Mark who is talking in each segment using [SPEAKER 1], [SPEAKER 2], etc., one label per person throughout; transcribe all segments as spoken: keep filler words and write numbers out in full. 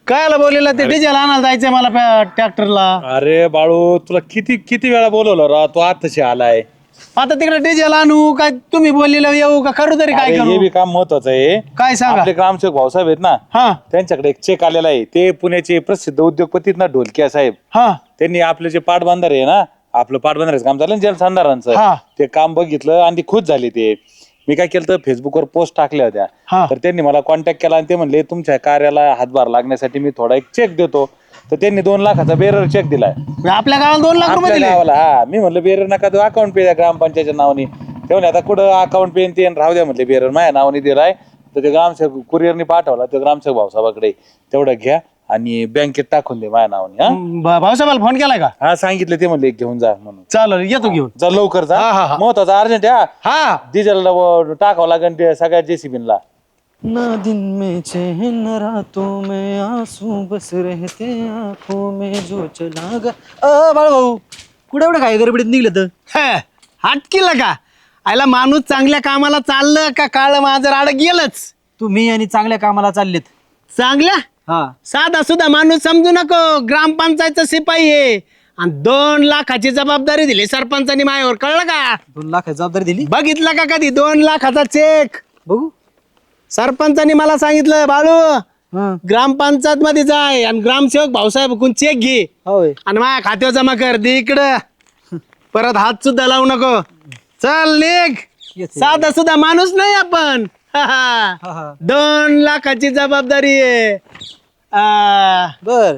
[SPEAKER 1] कायला बोललेला ते डिझेल आणायला जायचंय मला ट्रॅक्टरला.
[SPEAKER 2] अरे बाळू तुला किती किती वेळा बोलवलं रा तू आताशी आलाय.
[SPEAKER 1] आता तिकडे डिझेल आणू काय तुम्ही बोललेलं येऊ का करू तरी काय
[SPEAKER 2] अरे,
[SPEAKER 1] करू?
[SPEAKER 2] हे बी काम महत्वाचं आहे.
[SPEAKER 1] काय सांगा?
[SPEAKER 2] आपले ग्रामसेवक भाऊसाहेब आहेत ना,
[SPEAKER 1] हा
[SPEAKER 2] त्यांच्याकडे एक चेक आलेला आहे. ते पुण्याचे प्रसिद्ध उद्योगपती आहेत ना ढोलकिया साहेब.
[SPEAKER 1] हा
[SPEAKER 2] त्यांनी आपले जे पाटबंधारे आहे ना, आपलं पाटबंधाऱ्याचं काम झालं ना जलसंधारांचं,
[SPEAKER 1] हा.
[SPEAKER 2] ते काम बघितलं आणि ते खुश झाले. ते मी काय केलं तर फेसबुकवर पोस्ट टाकल्या
[SPEAKER 1] हा.
[SPEAKER 2] होत्या. तर त्यांनी मला कॉन्टॅक्ट केला आणि ते म्हणले तुमच्या कार्याला हातभार लागण्यासाठी मी थोडा एक चेक देतो. तर त्यांनी दोन लाखाचा बेरर चेक दिलाय
[SPEAKER 1] आपल्या गावाला दोन लाख रुपये
[SPEAKER 2] आपल्या
[SPEAKER 1] दिले.
[SPEAKER 2] गावाला. हा मी म्हणलं बेरर नका तो अकाउंट पे द्या ग्रामपंचायतच्या नावाने. ते म्हणले आता कुठं अकाउंट पे ते राहू द्या म्हणले, बेरर माझ्या नावाने दिलाय. तर ते ग्रामसेवक कुरिअरने पाठवला, ते ग्रामसेवक भाऊसाहेबाकडे तेवढं घ्या आणि बँकेत टाकून दे माझ्या नावाने. हा
[SPEAKER 1] भा- भाऊसाहेबाला फोन केलाय का?
[SPEAKER 2] हा सांगितलं, ते म्हणले घेऊन जा म्हणून.
[SPEAKER 1] चालेल येतो घेऊन.
[SPEAKER 2] जा लवकर जा,
[SPEAKER 1] हा, हा, हा.
[SPEAKER 2] महत्वाचा अर्जंट. हा
[SPEAKER 1] हा
[SPEAKER 2] डिझेल टाकावं लागेल ते सगळ्या जेसीबीला.
[SPEAKER 3] ना दिन में चैन न रातों में आंसू बस रहते आंखों में जो चला गा. अ बाळ भाऊ कुठे एवढं काय गडबडीत निघलं तर?
[SPEAKER 1] हटकीला का? आयला माणूस चांगल्या कामाला चाललं का काळ माझं राड गेलंच.
[SPEAKER 3] तुम्ही आणि चांगल्या कामाला चाललेत.
[SPEAKER 1] चांगल्या
[SPEAKER 3] हा
[SPEAKER 1] साधा सुद्धा माणूस समजू नको. ग्रामपंचायतचा शिपाई आहे आणि दोन लाखाची जबाबदारी दिली सरपंचानी माझ्यावर, कळलं का?
[SPEAKER 3] दोन लाख जबाबदारी दिली.
[SPEAKER 1] बघितलं का कधी दोन लाखाचा चेक?
[SPEAKER 3] बघू.
[SPEAKER 1] सरपंचानी मला सांगितलं बाळू
[SPEAKER 3] हा
[SPEAKER 1] ग्रामपंचायत मध्ये जाय आणि ग्रामसेवक भाऊसाहेब कोण चेक घे
[SPEAKER 3] होय.
[SPEAKER 1] आणि माझ्या खात्यावर जमा कर दे इकडं. परत हात सुद्धा लावू नको. चल निघ.
[SPEAKER 3] येते.
[SPEAKER 1] साधा सुद्धा माणूस नाही आपण. हा, हा.
[SPEAKER 3] हा, हा.
[SPEAKER 1] दोन लाखाची जबाबदारी आहे. आ,
[SPEAKER 3] बर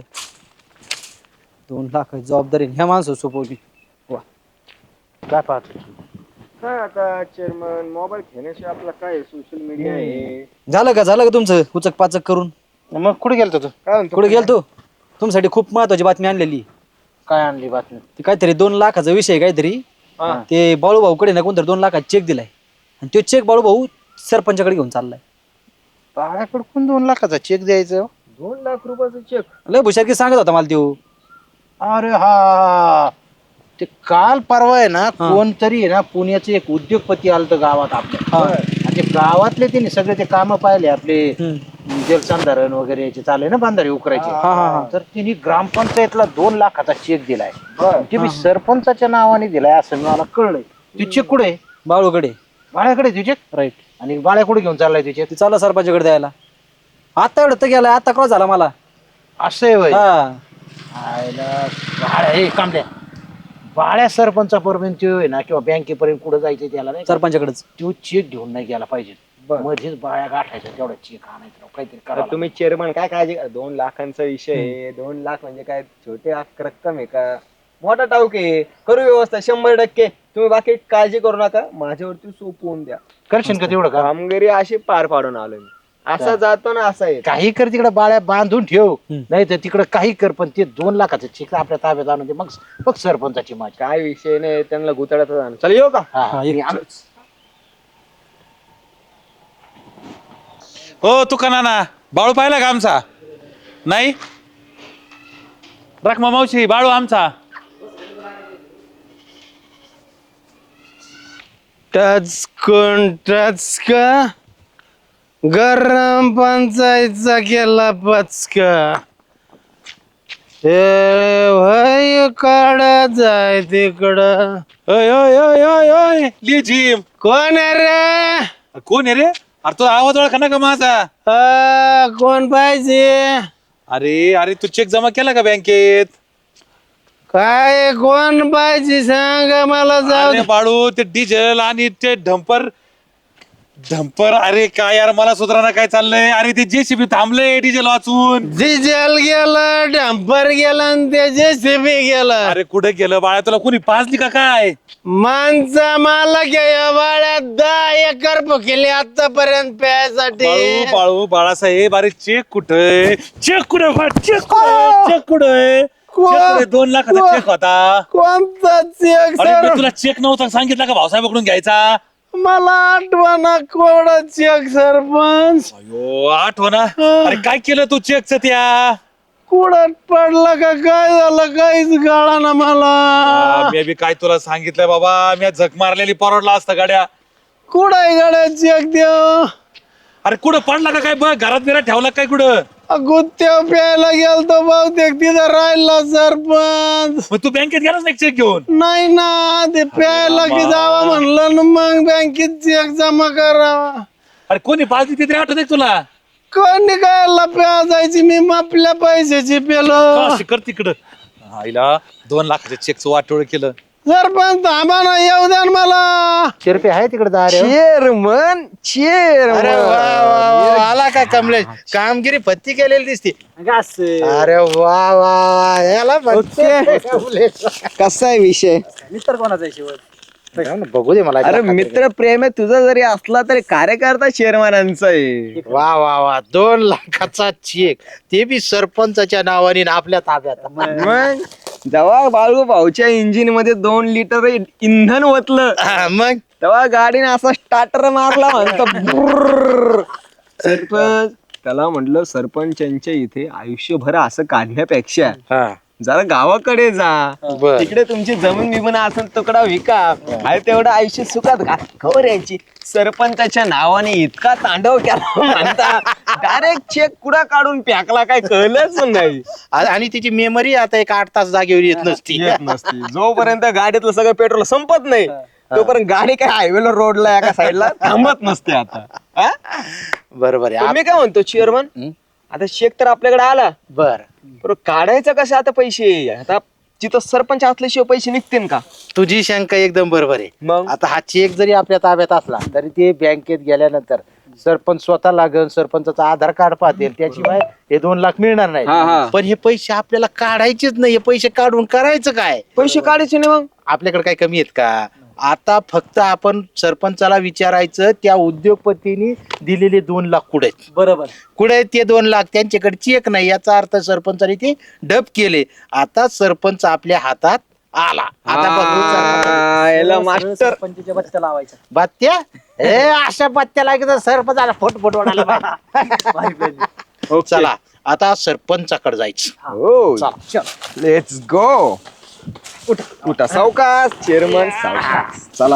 [SPEAKER 3] दोन लाख जबाबदारी ह्या माणसं सोपवली. वा
[SPEAKER 2] काय पाहतो?
[SPEAKER 4] काय आता चेअरमन मोबाईल घेण्याशिवाय आपला काय सोशल मीडिया आहे.
[SPEAKER 3] झालं का झालं का तुमचं उचक पाचक करून?
[SPEAKER 2] मग कुठे गेलतो तू?
[SPEAKER 4] काय म्हणतो
[SPEAKER 3] कुठे गेलतो? तुमच्यासाठी खूप महत्वाची बातमी आणलेली.
[SPEAKER 2] काय आणली बातमी?
[SPEAKER 3] ते काहीतरी दोन लाखाचा विषय आहे काहीतरी. ते बाळू भाऊकडे ना कोणतरी दोन लाखाचा चेक दिलाय आणि तो चेक बाळू भाऊ सरपंचाकडे घेऊन चाललाय.
[SPEAKER 4] बाळाकडून दोन लाखाचा चेक द्यायचं? दोन लाख रुपयाचा चेक?
[SPEAKER 3] लय भुशारकी सांगत होता मला त्यो.
[SPEAKER 5] अरे हा ते काल परवा आहे ना, कोणतरी आहे ना पुण्याचे एक उद्योगपती आलत गावात आपल्या. आणि ते गावातले त्यांनी सगळे ते काम पाहिले आपले जलसंधारण वगैरे याचे चालू आहे ना, बांधारे उकरायचे. तर त्यांनी ग्रामपंचायतला दोन लाखाचा चेक दिलाय. ते मी सरपंचाच्या नावाने दिलाय असं मला कळलंय. ते चेक कुठे?
[SPEAKER 3] बाळूकडे.
[SPEAKER 5] बाळ्याकडे ते चेक?
[SPEAKER 3] राईट.
[SPEAKER 5] आणि बाळ्या कुठे घेऊन चाललाय ते चेक?
[SPEAKER 3] ते चालला सरपंचाकडे द्यायला. आता एवढं तर गेलाय, आता क्रॉस झाला मला.
[SPEAKER 5] असं आहे होय.
[SPEAKER 3] हा
[SPEAKER 5] आयला बाळ्या हे कामल्या बाळ्या सरपंचापर्यंत आहे ना किंवा बँकेपर्यंत कुठं जायचं त्याला नाही का,
[SPEAKER 3] सरपंचाकडेच.
[SPEAKER 5] तो चेक घेऊन नाही गेला पाहिजे. मध्येच बाळ्या गाठायचा तेवढा चेक आणायचा काहीतरी
[SPEAKER 4] आता
[SPEAKER 5] करा.
[SPEAKER 4] तुम्ही चेअरमन काय काळजी करा. दोन लाखांचा विषय आहे. दोन लाख म्हणजे काय छोटे आक- रक्कम आहे का? मोठा टाऊक आहे. करू व्यवस्था शंभर टक्के. तुम्ही बाकी काळजी करू नका. माझ्यावरती सोपवून द्या.
[SPEAKER 5] करशील का तेवढं का?
[SPEAKER 4] कामगिरी अशी पार पाडून आलो मी. असा जातो ना असा येतो.
[SPEAKER 5] काही कर तिकडे बाळ्या बांधून ठेव, नाही तर तिकडे काही कर, पण ते दोन लाखाचं चेक आपल्या ताब्यात आणून दे. मग मग सरपंचाची माझी.
[SPEAKER 4] काय विषय नाही. त्यांना गुताड्याचा जाणं. चल येऊ का?
[SPEAKER 5] हा,
[SPEAKER 3] हा,
[SPEAKER 5] हा.
[SPEAKER 3] एक-
[SPEAKER 5] मी आलो.
[SPEAKER 2] हो तू का नाना बाळू पाहिला का आमचा? नाही रखमा मावशी, बाळू आमचा.
[SPEAKER 1] टच कोण टच का? गरम पंचायतचा केला पचका. ए भाई काढा जाय तिकडं.
[SPEAKER 2] ओय ओय ओय ओय ओय लिजिम.
[SPEAKER 1] कोण आहे रे?
[SPEAKER 2] कोण आहे रे? अरे तो आवाज ओळखा ना का माझा?
[SPEAKER 1] आ, कोण पाहिजे?
[SPEAKER 2] अरे अरे तू चेक जमा केला का बँकेत?
[SPEAKER 1] काय कोण पाहिजे सांग मला. जाऊ
[SPEAKER 2] अरे बाळू ते डिझेल आणि ते डंपर डंपर अरे काय यार मला सुधारणा काय चाललंय. अरे ते जेसीबी थांबले डिझेल वाचून.
[SPEAKER 1] डिझेल गेलं, डंपर गेलं आणि ते जेसीबी गेलं.
[SPEAKER 2] अरे कुठे गेलं बाळा? तुला कोणी पाजली का काय?
[SPEAKER 1] माणसा मला घ्या बाळ्यात दहा एकर केली आतापर्यंत प्यायसाठी.
[SPEAKER 2] बाळू बाळू बाळासाहेब अरे चेक कुठे? चेक कुठे? चेक कुठे? चेक कुठे?
[SPEAKER 1] को-
[SPEAKER 2] दोन लाखाचा
[SPEAKER 1] को-
[SPEAKER 2] चेक होता.
[SPEAKER 1] कोणता चेक
[SPEAKER 2] अरे
[SPEAKER 1] सर?
[SPEAKER 2] मी तुला चेक नव्हता सांगितलं का भाऊसाहेबाकडून घ्यायचा?
[SPEAKER 1] मला आठवणा कोणा चेक सरपंच.
[SPEAKER 2] अयो आठवणा. अरे काय केलं तू चेकच त्या?
[SPEAKER 1] कुडात पडला का काय झालं काहीच गाळा ना मला.
[SPEAKER 2] मी बी काय तुला सांगितलंय बाबा, मी झक मारलेली परवडला असतं गाड्या.
[SPEAKER 1] कुडाय गाड्या चेक देव.
[SPEAKER 2] अरे कुठं पडला का काय? बघ घरात बिरात ठेवला काय कुठं?
[SPEAKER 1] गुत्त्या प्यायला गेलतो बहुतेक तिथं राहिला सरपंच.
[SPEAKER 2] मग तू बँकेत गेलास ना चेक घेऊन?
[SPEAKER 1] नाही ना, ते प्यायला की जावा म्हणलं ना, मग बँकेत चेक जमा करावा.
[SPEAKER 2] अरे कोणी पाजली ती तरी आठवत आहे तुला?
[SPEAKER 1] कोणी काय प्या जायची, मी आपल्या पैशाची पेलो.
[SPEAKER 2] अशी कर तिकडं. आईला दोन लाखाच्या चेकचं वाटोळ केलं.
[SPEAKER 1] सरपंच थांबा ना, येऊ द्या ना मला.
[SPEAKER 5] शिरपे आहे तिकडे दार
[SPEAKER 4] चेअरमन
[SPEAKER 5] अरे
[SPEAKER 4] चेअरमन
[SPEAKER 5] वा वा वा, आला का कमलेश? कामगिरी पत्ती केलेली दिसते. अरे वा वा वा, याला म्हणते कमलेश.
[SPEAKER 4] कसा आहे विषय?
[SPEAKER 3] मिस्टर कोणाचा आहे शेवट?
[SPEAKER 5] जाऊ ना, बघू दे मला.
[SPEAKER 4] अरे मित्र प्रेम आहे तुझा जरी असला तरी कार्यकर्ता चेअरमनांचा आहे.
[SPEAKER 5] वा वा वा, दोन लाखाचा चेक, ते बी सरपंचाच्या नावाने आणि आपल्या ताब्यात.
[SPEAKER 4] मग जेव्हा बाळू भाऊच्या इंजिन मध्ये दोन लिटर इंधन ओतलं
[SPEAKER 5] हा, मग
[SPEAKER 4] तेव्हा गाडीने असा स्टार्टर मारला म्हणतो बुर्र. सरपंच त्याला म्हटलं सरपंचांच्या इथे आयुष्यभर असं काढण्यापेक्षा
[SPEAKER 5] हा
[SPEAKER 4] जरा गावाकडे जा,
[SPEAKER 5] बर.
[SPEAKER 4] तिकडे तुमची जमीन बिमन असेल तुकडा विका, आहे तेवढं आयुष्य सुखात घा. खबर यांची सरपंचाच्या नावाने इतका तांडव केला म्हणता डायरेक्ट चेक कुडा काढून पॅकला काय कळलंच नाही.
[SPEAKER 5] आ- आणि तिची मेमरी आता एक आठ तास जागेवर येत नसती.
[SPEAKER 4] येत नसती. जोपर्यंत गाडीतलं सगळं पेट्रोल संपत नाही तोपर्यंत गाडी काय हायवेला रोडला एका साईडला थांबत नसते. आता हा?
[SPEAKER 5] बरोबर आहे.
[SPEAKER 4] पण मी काय म्हणतो चेअरमन,
[SPEAKER 5] हं?
[SPEAKER 4] आता चेक तर आपल्याकडे आला,
[SPEAKER 5] बर,
[SPEAKER 4] बरं काढायचं कसं आता पैसे? आता तिथं सरपंच असल्याशिवाय पैसे निघतील का?
[SPEAKER 5] तुझी शंका एकदम बरोबर आहे.
[SPEAKER 4] मग
[SPEAKER 5] आता हा चेक जरी आपल्या ताब्यात असला तरी ते बँकेत गेल्यानंतर सरपंच स्वतः लागेल, सरपंचाचं आधार कार्ड पाहतील, त्याशिवाय हे दोन लाख मिळणार
[SPEAKER 4] हा, हा.
[SPEAKER 5] नाही. पण हे पैसे आपल्याला काढायचेच नाही. हे पैसे काढून करायचं काय?
[SPEAKER 4] पैसे काढायचे नाही. मग
[SPEAKER 5] आपल्याकडे काय कमी आहेत का? आता फक्त आपण सरपंचाला विचारायचं त्या उद्योगपतींनी दिलेले दोन लाख कुठे आहेत?
[SPEAKER 3] बरोबर.
[SPEAKER 5] कुठे आहेत ते दोन लाख? त्यांच्याकडे चेक नाही, याचा अर्थ सरपंचाने ते डब केले. आता सरपंच आपल्या हातात आला. आता बघू सरपंच.
[SPEAKER 4] आ, याला मास्टर
[SPEAKER 3] सरपंचाच्या बच्चा लावायचा.
[SPEAKER 5] बात्या ए अशा बात्या लागेल सरपंचाला फोट फोट वाढायला पाहिजे. चला आता सरपंचाकडे जायचं.
[SPEAKER 4] हो लेट्स गो. उठा सावकाश चेअरमन, सावकाश. चला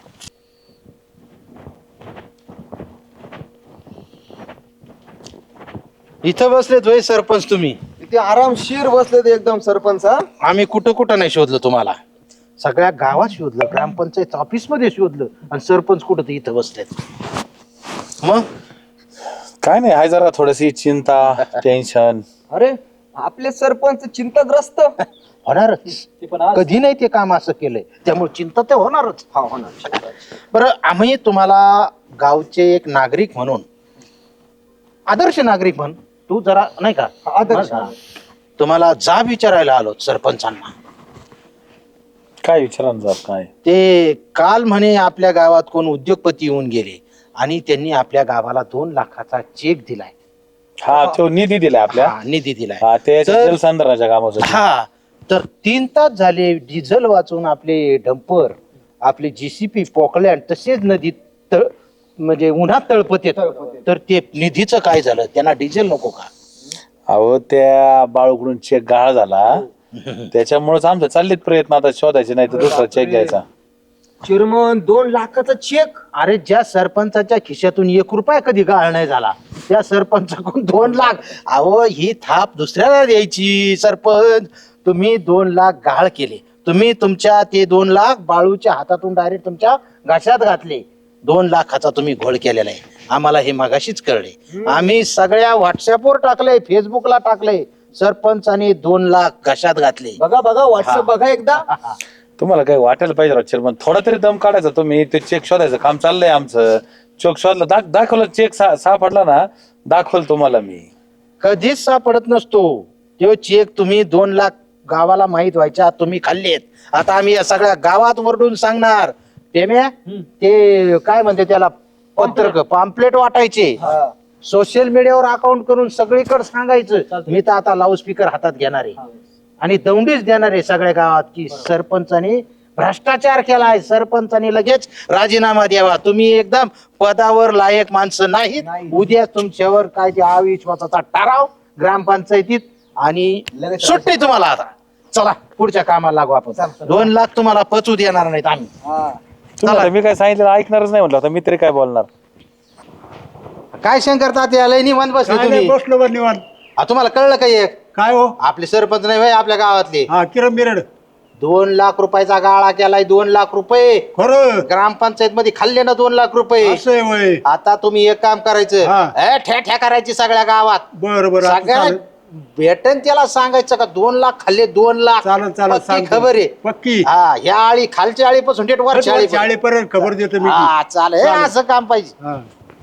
[SPEAKER 5] इथं बसलेत होय सरपंच तुम्ही?
[SPEAKER 4] इथे आरामशीर बसले ते एकदम सरपंच. हा?
[SPEAKER 5] आम्ही कुठं कुठं नाही शोधलं तुम्हाला, सगळ्या गावात शोधलं, ग्रामपंचायत ऑफिस मध्ये शोधलं, आणि सरपंच कुठं ते इथं बसलेत. मग
[SPEAKER 2] काय नाही, हाय जरा थोडीशी चिंता, टेन्शन.
[SPEAKER 4] अरे आपले सरपंच चिंताग्रस्त
[SPEAKER 5] होणारच, कधी नाही ते काम असं केलंय, त्यामुळे चिंता ते होणारच.
[SPEAKER 4] हा होणार.
[SPEAKER 5] बरं, आम्ही तुम्हाला गावचे एक नागरिक म्हणून, आदर्श नागरिक म्हणून, तू जरा नाही का
[SPEAKER 4] आदर्श.
[SPEAKER 5] हा. तुम्हाला जाब विचारायला आलो सरपंचांना.
[SPEAKER 2] काय विचारा ना जरा, काय
[SPEAKER 5] ते काल म्हणे आपल्या गावात कोण उद्योगपती येऊन गेले आणि त्यांनी आपल्या गावाला दोन लाखाचा चेक दिलाय.
[SPEAKER 2] हा तो निधी दिलाय आपल्या.
[SPEAKER 5] हा, निधी दिलाय.
[SPEAKER 2] हा ते
[SPEAKER 5] तर-
[SPEAKER 2] जलसंधारणाच्या कामासाठी.
[SPEAKER 5] हा, तर तीन तास झाले डिझेल वाचून आपले डंपर, आपले जीसीपी, पॉकलँड तसेच नदीत तळ म्हणजे उन्हात तळपत येत. तर ते निधीचं काय झालं? त्यांना डिझेल नको का?
[SPEAKER 2] अहो त्या बाळूकडून चेक गहाळ झाला, त्याच्यामुळेच आमचे चाललेत प्रयत्न आता शोधायचे, नाही तर दुसरा चेक घ्यायचा.
[SPEAKER 4] चेअरमन दोन लाखाचा चेक?
[SPEAKER 5] अरे ज्या सरपंचाच्या खिशातून एक रुपया कधी गाळ नाही झाला त्या सरपंचाकडून दोन लाख, अहो ही थाप दुसऱ्याला द्यायची. सरपंच तुम्ही दोन लाख गाळ केले, तुम्ही तुमच्या ते दोन लाख बाळूच्या हातातून डायरेक्ट तुमच्या घशात घातले. दोन लाखाचा तुम्ही घोळ केलेला आहे. आम्हाला हे मागाशीच कळले. आम्ही सगळ्या व्हॉट्सअपवर टाकले, फेसबुकला टाकले, सरपंचाने दोन लाख घशात घातले.
[SPEAKER 4] बघा बघा व्हॉट्सअप बघा एकदा.
[SPEAKER 2] तुम्हाला काही वाटायला पाहिजे राव पण थोडा तरी दम काढायचा. तुम्ही ते चेक शोधायचं काम चाललंय आमचं. चेक शोधला, दाख दाखवलं चेक सा सापडला ना, दाखवल तुम्हाला मी.
[SPEAKER 5] कधीच सापडत नसतो तो चेक. तुम्ही दोन लाख गावाला माहित व्हायच्या तुम्ही खाल्लेत. आता आम्ही या सगळ्या गावात वरडून सांगणार. पेम्या ते काय म्हणते त्याला, पत्रक पॉम्पलेट वाटायचे, सोशल मीडियावर अकाउंट करून सगळीकडे सांगायचं. मी तर आता लाऊडस्पीकर हातात घेणार आहे आणि दौंडीच देणार आहे सगळ्या गावात की सरपंचाने भ्रष्टाचार केलाय, सरपंचाने लगेच राजीनामा द्यावा, तुम्ही एकदम पदावर लायक माणसं नाहीत. उद्या तुमच्यावर काय ते अविश्वासाचा ठराव ग्रामपंचायतीत आणि सुट्टी तुम्हाला. आता चला पुढच्या कामाला लागू आपण. दोन लाख तुम्हाला पचू देणार नाहीत आम्ही.
[SPEAKER 2] तुम्हाला मी काय सांगितलं ऐकणारच नाही म्हटलं, आता मी तरी काय बोलणार.
[SPEAKER 5] काय शंकर तात्या लय निवांत बसले तुम्ही?
[SPEAKER 1] बसलो बरं निवांत.
[SPEAKER 5] हा, तुम्हाला कळलं का एक
[SPEAKER 6] काय हो
[SPEAKER 5] आपले सरपंच नाही होय आपल्या गावातले
[SPEAKER 6] हा किरण बिरड
[SPEAKER 5] दोन लाख रुपयाचा गाळा केलाय दोन लाख रुपये
[SPEAKER 6] खरं
[SPEAKER 5] ग्रामपंचायत मध्ये खाल्ले ना दोन लाख रुपये
[SPEAKER 6] असं आहे वय
[SPEAKER 5] आता तुम्ही एक काम करायचं
[SPEAKER 6] हा.
[SPEAKER 5] ए, ठ्या ठ्या करायची सगळ्या गावात
[SPEAKER 6] बर बर आता
[SPEAKER 5] सगळ्या
[SPEAKER 6] चालेल.
[SPEAKER 5] भेटन त्याला सांगायचं का दोन लाख खाल्ले दोन लाख
[SPEAKER 6] चालेल चालेल
[SPEAKER 5] पक्की
[SPEAKER 6] सांगतो.
[SPEAKER 5] खबर आहे
[SPEAKER 6] पक्की
[SPEAKER 5] हा ह्या आळी खालच्या आळीपासून थेट वरच्या आळी
[SPEAKER 6] शाळेपर्यंत खबर देतो मी
[SPEAKER 5] हा चालेल हे असं काम पाहिजे
[SPEAKER 6] हा.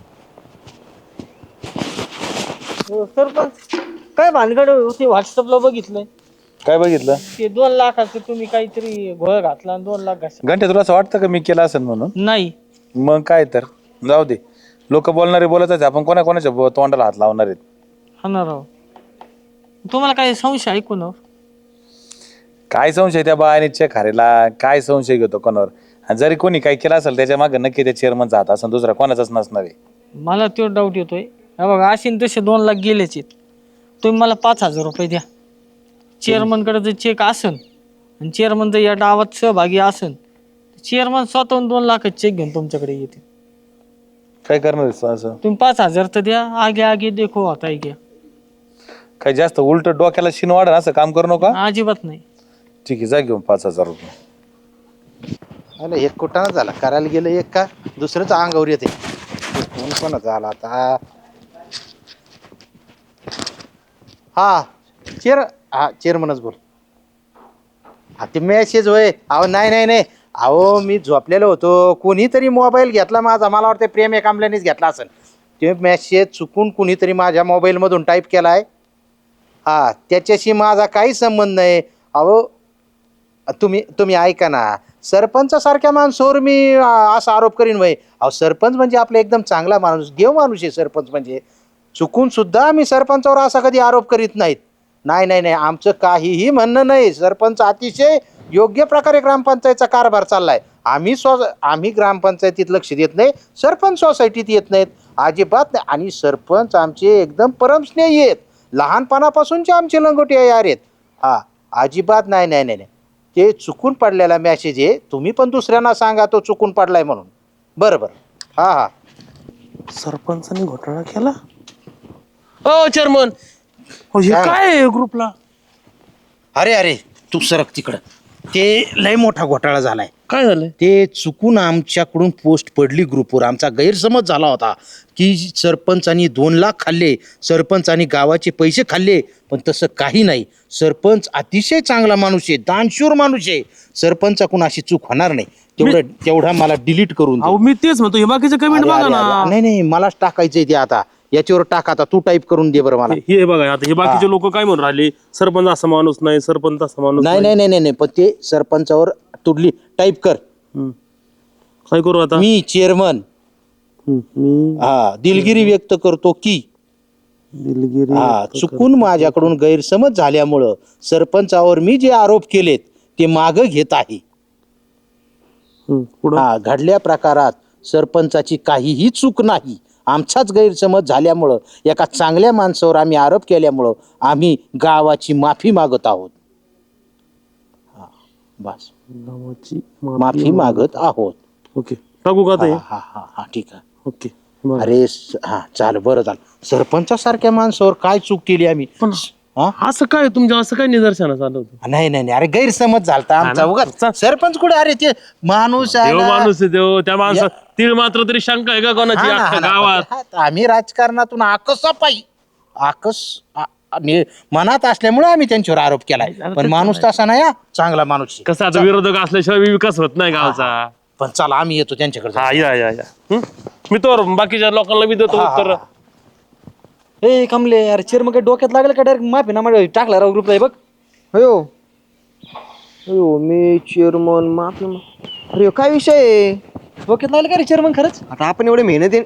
[SPEAKER 3] सरपंच काय भानगड होती व्हॉट्सअपला बघितलंय
[SPEAKER 2] काय बघितलं
[SPEAKER 3] ते दोन लाखाचं तुम्ही काहीतरी घोळ घातला आणि दोन लाख घातला
[SPEAKER 2] घंटे तुला असं वाटतं का मी केलं असेल म्हणून
[SPEAKER 3] नाही
[SPEAKER 2] मग काय तर जाऊ दे लोक बोलणारे बोलतच आपण कोणा कोणाच्या बो- तोंडाला हात लावणार आहेत
[SPEAKER 3] हा ना राव तुम्हाला काही संशय ऐकून
[SPEAKER 2] काय संशय त्या बायाने चेक हारेला काय संशय घेतो कोणावर आणि जरी कोणी काय केलं असेल त्याच्या मागे नक्की त्या चेअरमनचा हात असं दुसरा कोणाचाच नसणार आहे
[SPEAKER 3] मला तो डाऊट येतोय हा बघा असे न तसे दोन लाख गेलेच आहेत तुम्ही मला पाच हजार रुपये द्या चेअरमनकडे जर चेक असन आणि चेअरमन जर या डावात सहभागी असन चेअरमन स्वतःहून दोन लाखाचे चेक घेऊन तुमच्याकडे येते
[SPEAKER 2] काय करणार आहेस असं
[SPEAKER 3] तुम्ही पाच हजार तर द्या आगे आगे देखो आता घ्या
[SPEAKER 2] काय जास्त उलट डोक्याला शिन वाढ असं काम करू नका
[SPEAKER 3] अजिबात नाही
[SPEAKER 2] ठीक आहे जा घेऊन पाच हजार रुपये
[SPEAKER 5] अरे एक कुठाना झाला करायला गेलं एक का दुसरंच अंगावर येते कोण कोण झाला आता हा चेअर हा चेअरमनच बोल हा ते मेसेज होय अहो नाही नाही नाही अहो मी झोपलेलो होतो कोणीतरी मोबाईल घेतला माझा मला वाटतं प्रेम एकांबल्यानेच घेतला असेल ते मेसेज चुकून कुणीतरी माझ्या मोबाईलमधून टाईप केलाय हा त्याच्याशी माझा काही संबंध नाही अहो तुम्ही तुम्ही ऐका ना सरपंचासारख्या माणसावर मी अं, असा आरोप करीन वय अहो सरपंच म्हणजे आपला एकदम चांगला माणूस देव माणूस आहे सरपंच म्हणजे चुकून सुद्धा आम्ही सरपंचावर असा कधी आरोप करीत नाहीत नाही नाही नाही आमचं काहीही म्हणणं नाही सरपंच अतिशय योग्य प्रकारे ग्रामपंचायतचा कारभार चाललाय आम्ही स्व आम्ही ग्रामपंचायतीत लक्ष देत नाही सरपंच सोसायटीत येत नाहीत अजिबात नाही आणि सरपंच आमचे एकदम परमस्नेही आहेत लहानपणापासूनचे आमचे लंगोटी यार आहेत हा अजिबात नाही नाही नाही नाही ते चुकून पडलेला मॅसेज आहे तुम्ही पण दुसऱ्यांना सांगा तो चुकून पडलाय म्हणून बरं बरं हा हा
[SPEAKER 1] सरपंचाने घोटाळा केला
[SPEAKER 4] हो चेअरमन
[SPEAKER 1] हे
[SPEAKER 5] काय?
[SPEAKER 1] काय ग्रुपला
[SPEAKER 5] अरे अरे तू सरक तिकडं ते लय मोठा घोटाळा झालाय
[SPEAKER 1] काय झालंय
[SPEAKER 5] ते चुकून आमच्याकडून पोस्ट पडली ग्रुपवर आमचा गैरसमज झाला होता की सरपंचानी दोन लाख खाल्ले सरपंचानी गावाचे पैसे खाल्ले पण तसं काही नाही सरपंच अतिशय चांगला माणूस आहे दानशूर माणूस आहे सरपंचाकडून अशी चूक होणार नाही तेवढं तेवढा मला डिलीट करून दे.
[SPEAKER 1] अहो मी तेच म्हणतो हे बाकीचे कमेंट
[SPEAKER 5] अरे,
[SPEAKER 1] बघा
[SPEAKER 5] अरे,
[SPEAKER 1] ना
[SPEAKER 5] अरे, नाही नाही मलाच टाकायचंय ते आता याच्यावर टाक आता तू टाईप करून दे बरं मला
[SPEAKER 7] हे बघा आता हे बाकीचे लोक काय म्हणून राहिले सरपंच असा माणूस नाही सरपंच असा माणूस
[SPEAKER 5] नाही नाही नाही नाही नाही, पण ते सरपंचावर तुडली टाईप कर
[SPEAKER 7] हम्म. काय करू आता
[SPEAKER 5] मी चेअरमन
[SPEAKER 7] हम्म, मी
[SPEAKER 5] हा दिलगिरी व्यक्त करतो की
[SPEAKER 7] दिलगिरी
[SPEAKER 5] हा चुकून माझ्याकडून गैरसमज झाल्यामुळं सरपंचावर मी जे आरोप केलेत ते मागं घेत आहे
[SPEAKER 7] हम्म, पुढं
[SPEAKER 5] हा घडल्या प्रकारात सरपंचाची काहीही चूक नाही आमचाच गैरसमज झाल्यामुळं एका चांगल्या माणसावर आम्ही आरोप केल्यामुळं आम्ही गावाची माफी मागत आहोत हा, बस
[SPEAKER 7] गावाची
[SPEAKER 5] माफी मागत आहोत
[SPEAKER 7] ओके टाकू का आता हे?
[SPEAKER 5] हा हा हा हा ठीक आहे
[SPEAKER 7] ओके बरं.
[SPEAKER 5] अरे स- हा चाल बरं झालं सरपंचासारख्या माणसावर काय चूक केली आम्ही
[SPEAKER 7] पण
[SPEAKER 5] हा
[SPEAKER 7] असं काय तुमच्या असं काय निदर्शनास आलं होतं
[SPEAKER 5] नाही नाही नाही अरे गैरसमज झालता आमचा
[SPEAKER 7] ना?
[SPEAKER 5] उगाच
[SPEAKER 7] चा-
[SPEAKER 5] सरपंच कुठे अरे ते माणूस आहे
[SPEAKER 7] देव
[SPEAKER 5] ना.
[SPEAKER 7] माणूस आहे देव त्या माणसा तीळ मात्र तरी शंका आहे का कोणाची
[SPEAKER 5] हा ना, हा
[SPEAKER 7] अख्ख्या
[SPEAKER 5] ना,
[SPEAKER 7] गावात
[SPEAKER 5] पण ते- हा, आम्ही राजकारणातून आकसा पायी आकस आ- आणि मनात असल्यामुळे आम्ही त्यांच्यावर आरोप केलाय पण माणूस तसा नाही हा, चांगला माणूस आहे.
[SPEAKER 7] कसं आता विरोधक असल्याशिवाय विकास होत नाही गावचा
[SPEAKER 5] पण चला आम्ही येतो त्यांच्याकडे
[SPEAKER 7] हा या या या हम्म? मी तर बाकीच्या लोकांना बी देतो उत्तर
[SPEAKER 3] ए कमले अरे चेअरमन काय डोक्यात लागलं का डायरेक्ट माफी ना माझ्या टाकला राव ग्रुपला बघ
[SPEAKER 4] हो हो मी चेअरमन माफी अरे काय विषय आहे?
[SPEAKER 3] डोक्यात लागलं का रे चेअरमन खरंच
[SPEAKER 4] आता आपण एवढे मेहनत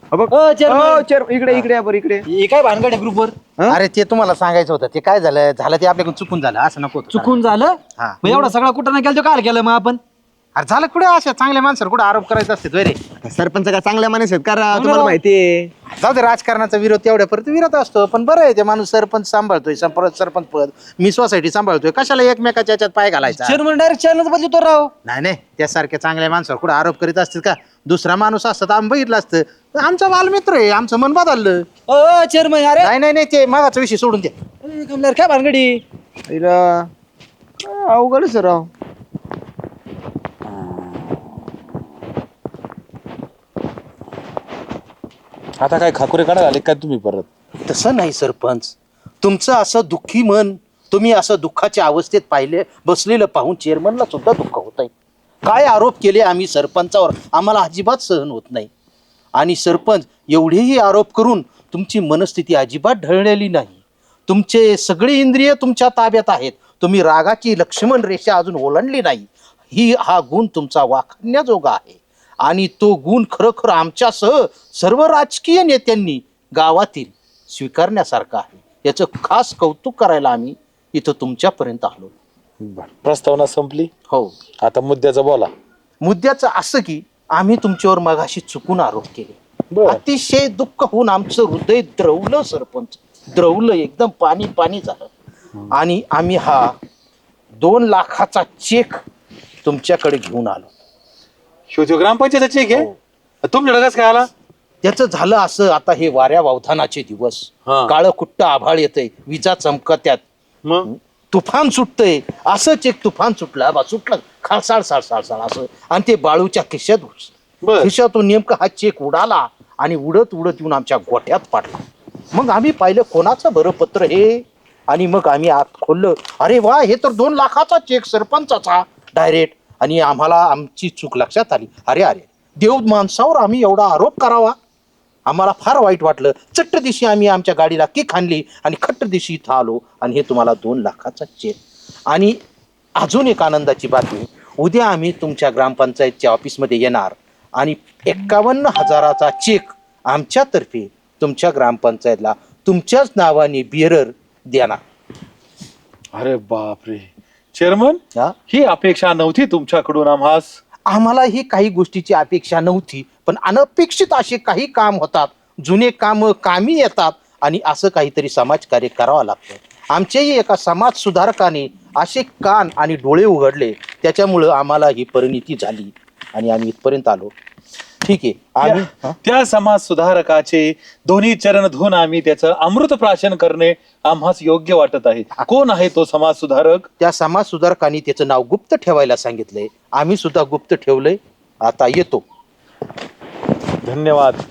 [SPEAKER 4] चेअरमन इकडे इकडे या बरं इकडे
[SPEAKER 3] हे काय भानगड आहे ग्रुपवर
[SPEAKER 5] अरे ते तुम्हाला सांगायचं होतं ते काय झालं झालं ते आपल्याकडून चुकून झालं असं नको होतं.
[SPEAKER 3] चुकून झालं
[SPEAKER 5] हा.
[SPEAKER 3] मग एवढा सगळा कुठं नाही केलं तो काय केलं मग आपण
[SPEAKER 5] अरे झालं कुठे अशा चांगल्या माणसावर कुठे आरोप करायचा असते रे.
[SPEAKER 4] सरपंच का चांगल्या माणूस आहेत का राव? तुम्हाला माहितीये.
[SPEAKER 5] जाऊ दे, राजकारणाचा विरोध तेवढ्यापर्यंत विरोध असतो, पण बरं आहे ते माणूस सरपंच सांभाळतोय, संपर्क सरपंच पद मी सोसायटी सांभाळतोय, कशाला एकमेकाच्या याच्यात पाय घालायचा.
[SPEAKER 4] चेअरमन डायरेक्ट चॅनल बदलतो राव.
[SPEAKER 5] नाही नाही, त्यासारख्या चांगल्या माणसावर कुठे आरोप करीत असतील का? दुसरा माणूस असता तर आम्ही बघितलं असतं. आमचा बालमित्र आहे, आमचं मन बदललं.
[SPEAKER 4] ओ चेअरमन अरे
[SPEAKER 5] नाही नाही नाही, ते मागाचा विषय सोडून द्या.
[SPEAKER 4] कमलार काय भानगडी अवघडच राव.
[SPEAKER 2] आता काय खाकुरे काढायला आले काय तुम्ही परत?
[SPEAKER 5] तसं नाही सरपंच, तुमचं असं दुःखी मन, तुम्ही असं दुःखाच्या अवस्थेत पाहिले बसलेलं पाहून चेअरमनला सुद्धा दुःख होत आहे. काय आरोप केले आम्ही सरपंचावर, आम्हाला अजिबात सहन होत नाही. आणि सरपंच, एवढेही आरोप करून तुमची मनस्थिती अजिबात ढळलेली नाही. तुमचे सगळे इंद्रिय तुमच्या ताब्यात आहेत. तुम्ही रागाची लक्ष्मण रेषा अजून ओलांडली नाही. ही हा गुण तुमचा वाखाणण्याजोगा आहे. आणि तो गुण खरोखर आमच्यासह सर्व राजकीय नेत्यांनी गावातील स्वीकारण्यासारखा आहे. याचं खास कौतुक करायला आम्ही इथं तुमच्यापर्यंत आलो.
[SPEAKER 2] प्रस्तावना संपली.
[SPEAKER 5] हो,
[SPEAKER 2] आता मुद्द्याचं बोला.
[SPEAKER 5] मुद्द्याचं असं की आम्ही तुमच्यावर मगाशी चुकून आरोप केले.
[SPEAKER 2] बरं.
[SPEAKER 5] अतिशय दुःख होऊन आमचं हृदय द्रवलं सरपंच, द्रवलं, एकदम पाणी पाणी झालं. आणि आम्ही हा दोन लाखाचा चेक तुमच्याकडे घेऊन आलो.
[SPEAKER 2] शिवतो ग्रामपंचायतचा चेक आहे. तुमच्याकडे कसं काय आला?
[SPEAKER 5] त्याचं झालं असं, आता हे वाऱ्या वावधानाचे दिवस,
[SPEAKER 2] हा.
[SPEAKER 5] काळं कुट्ट आभाळ येतंय, विजा चमकत्यात,
[SPEAKER 2] मग
[SPEAKER 5] तुफान सुटतंय. असंच एक तुफान सुटलं, बा सुटलं खाळसाळ साळसाळ साळ असं, आणि ते बाळूच्या खिशात घुसलं.
[SPEAKER 2] बर.
[SPEAKER 5] खिशातून नेमका हा चेक उडाला आणि उडत उडत येऊन आमच्या गोठ्यात पडला. मग आम्ही पाहिलं कोणाचं बरं पत्र हे, आणि मग आम्ही आत खोललं. अरे वा, हे तर दोन लाखाचा चेक सरपंचाचा डायरेक्ट. आणि आम्हाला आमची चूक लक्षात आली. अरे अरे, देव माणसावर आम्ही एवढा आरोप करावा, आम्हाला फार वाईट वाटलं. चट्ट दिवशी आम्ही आमच्या गाडीला किक आणली आणि खट्ट दिवशी इथं आलो, आणि हे तुम्हाला दोन लाखाचा चेक. आणि अजून एक आनंदाची बातमी, उद्या आम्ही तुमच्या ग्रामपंचायतच्या ऑफिसमध्ये येणार आणि एक्कावन्न हजाराचा चेक आमच्यातर्फे तुमच्या ग्रामपंचायतला तुमच्याच नावाने बिअरर देणार.
[SPEAKER 2] अरे बापरे चेअरमन,
[SPEAKER 5] हा?
[SPEAKER 2] ही अपेक्षा नव्हती तुमच्याकडून आम्हास.
[SPEAKER 5] आम्हाला ही काही गोष्टीची अपेक्षा नव्हती, पण अनपेक्षित असे काही काम होतात, जुने काम कामी येतात, आणि असं काहीतरी समाजकार्य करावं लागतं. आमच्याही एका समाज सुधारकाने असे कान आणि डोळे उघडले, त्याच्यामुळं आम्हाला ही परिणिती झाली आणि आम्ही इथपर्यंत आलो. ठीक आहे, आम्ही
[SPEAKER 2] त्या- त्या समाज सुधारकाचे दोन्ही चरण धुवून आम्ही त्याचं अमृत प्राशन करणे आम्हास योग्य वाटत आहे. कोण आहे तो समाज सुधारक?
[SPEAKER 5] त्या समाज सुधारकाने त्याचं नाव गुप्त ठेवायला सांगितलंय, आम्ही सुद्धा गुप्त ठेवलंय. आता येतो.
[SPEAKER 2] धन्यवाद.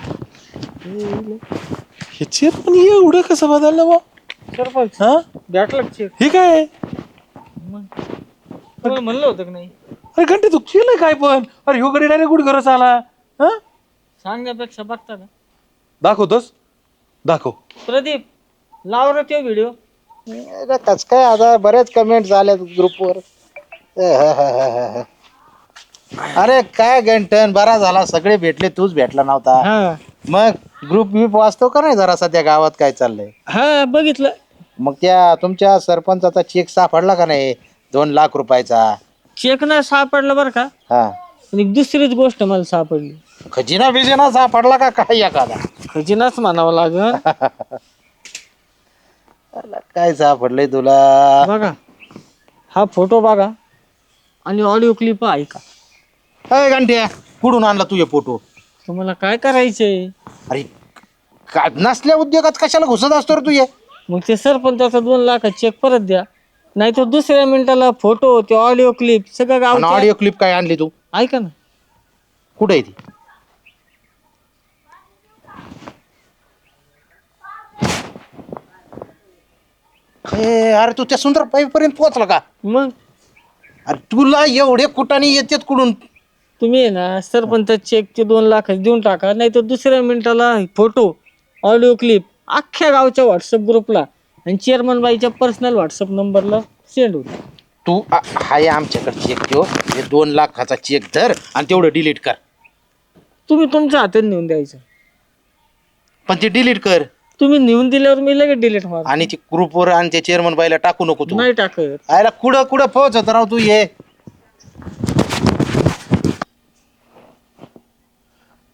[SPEAKER 2] हे चेअरमन एवढं कसं बदललं बा?
[SPEAKER 3] सरपंच
[SPEAKER 2] हा,
[SPEAKER 3] भेटला चेक.
[SPEAKER 2] हे काय?
[SPEAKER 3] तुम्हाला म्हणलं होतं की नाही?
[SPEAKER 2] अरे घंटे तू केलं काय पण? अरे ह्यो गडी डायरेक्ट कुठे घरच आला? हा,
[SPEAKER 3] सांगण्यापेक्षा बघता का?
[SPEAKER 2] दाखवतोस? दाखव.
[SPEAKER 3] प्रदीप, लाव रे तो व्हिडिओ.
[SPEAKER 5] कस काय, आता बरेच कमेंट झाल्या ग्रुपवर. अरे काय गंठन, बरा झाला सगळे भेटले, तूच भेटला नव्हता.
[SPEAKER 3] हा
[SPEAKER 5] मग ग्रुप बीप वाचतो का नाही जरा सध्या गावात काय चाललंय?
[SPEAKER 3] हा बघितलं.
[SPEAKER 5] मग त्या तुमच्या सरपंचाचा चेक सापडला का नाही, दोन लाख रुपयाचा?
[SPEAKER 3] चेक नाही सापडला बरं का,
[SPEAKER 5] हा,
[SPEAKER 3] पण एक दुसरीच गोष्ट मला सापडली.
[SPEAKER 5] खजिना बिजिना सापडला का काय एखादा?
[SPEAKER 3] खजिनाच म्हणावं लागल.
[SPEAKER 5] काय सापडलंय तुला?
[SPEAKER 3] बघा हा फोटो बघा आणि ऑडिओ क्लिप ऐका.
[SPEAKER 5] अय गंठ्या, कुठून आणला तुझे फोटो?
[SPEAKER 3] तुम्हाला काय करायचंय?
[SPEAKER 5] अरे का नसल्या उद्योगात कशाला घुसत असतो रे तुझे?
[SPEAKER 3] मग ते सरपंचाचा दोन लाखाचा चेक परत द्या, नाही तर दुसऱ्या मिनिटाला फोटो, ते ऑडिओ क्लिप सगळं गाव.
[SPEAKER 5] ऑडिओ क्लिप काय आणली तू?
[SPEAKER 3] ऐका ना.
[SPEAKER 5] कुठे आहे ती? ए, अरे तू त्या सुंदर पर्यंत पोहोचला का?
[SPEAKER 3] मग
[SPEAKER 5] अरे तुला एवढे कुटाने येतात कुठून?
[SPEAKER 3] तुम्ही आहे ना सरपंच चेकचे दोन लाख देऊन टाका, नाही तर दुसऱ्या मिनिटाला फोटो, ऑडिओ क्लिप अख्ख्या गावच्या व्हॉट्सअप ग्रुपला आणि चेअरमन बाईच्या पर्सनल व्हॉट्सअप नंबरला सेंड होईल.
[SPEAKER 5] तू आ- हाय आमच्याकडे चेक ठेव, हे दोन लाखाचा चेक धर आणि तेवढं डिलीट कर.
[SPEAKER 3] तुम्ही तुमच्या हातात नेऊन द्यायचं.
[SPEAKER 5] पण ते डिलीट कर
[SPEAKER 3] तुम्ही नेऊन दिल्यावर मी लगेच डिलीट मार.
[SPEAKER 5] आणि ते ग्रुपवर आणि ते चेअरमन बाईला टाकू नको तू.
[SPEAKER 3] नाही टाकत.
[SPEAKER 5] आयला कुठं कुठं पोहोचत राव तू. ये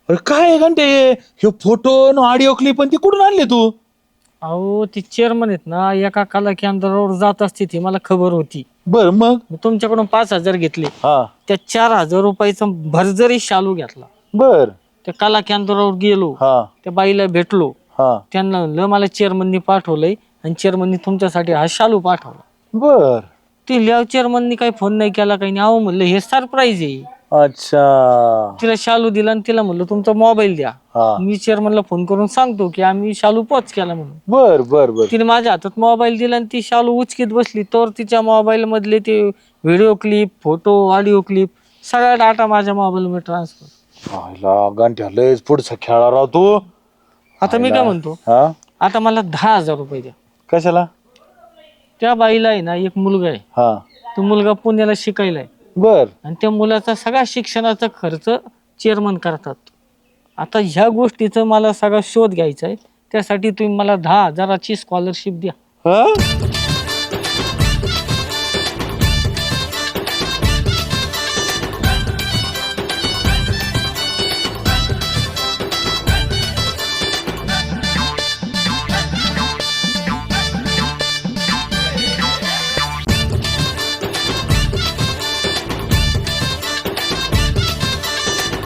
[SPEAKER 2] अरे काय घंटे हे फोटो ऑडिओ क्लिप पण ती कुठून आणले तू?
[SPEAKER 3] अहो ती चेअरमन आहेत ना, एका कला केंद्रावर जात असते ती मला खबर होती.
[SPEAKER 2] बर मग
[SPEAKER 3] मी तुमच्याकडून पाच हजार घेतले,
[SPEAKER 2] हा
[SPEAKER 3] त्या चार हजार रुपयाचा भरजरी शालू घेतला.
[SPEAKER 2] बर
[SPEAKER 3] त्या कला केंद्रावर गेलो,
[SPEAKER 2] हा
[SPEAKER 3] त्या बाईला भेटलो,
[SPEAKER 2] हा
[SPEAKER 3] त्यांना म्हणलं मला चेअरमननी पाठवलंय आणि चेअरमननी तुमच्यासाठी हा शालू पाठवला.
[SPEAKER 2] बर
[SPEAKER 3] ती लिहाव चेअरमननी काही फोन नाही केला, काही नाही. अहो म्हणलं हे सरप्राईज आहे.
[SPEAKER 2] अच्छा
[SPEAKER 3] तिला शालू दिला आणि तिला म्हणलं तुमचा मोबाईल द्या,
[SPEAKER 2] हा
[SPEAKER 3] मी चेअरमनला फोन करून सांगतो की आम्ही शालू पोच केला म्हणून.
[SPEAKER 2] बर बर बर
[SPEAKER 3] तिने माझ्या हातात मोबाईल दिला आणि ती शालू उचकीत बसली, तर तिच्या मोबाईल मधले ते video clip, photo, audio clip सगळा डाटा माझ्या मोबाईल मध्ये ट्रान्सफर.
[SPEAKER 2] आयला घंट्या लयच पुढचा खेळा राव तू.
[SPEAKER 3] आता मी काय म्हणतो,
[SPEAKER 2] हा
[SPEAKER 3] आता मला दहा हजार रुपये द्या.
[SPEAKER 2] कशाला?
[SPEAKER 3] त्या बाईला आहे ना एक मुलगा आहे,
[SPEAKER 2] हा
[SPEAKER 3] तो मुलगा पुण्याला शिकायला आहे
[SPEAKER 2] बर
[SPEAKER 3] आणि त्या मुलाचा सगळा शिक्षणाचा खर्च चेअरमन करतात. आता ह्या गोष्टीचा मला सगळा शोध घ्यायचा आहे, त्यासाठी तुम्ही मला दहा हजाराची स्कॉलरशिप द्या.
[SPEAKER 2] हा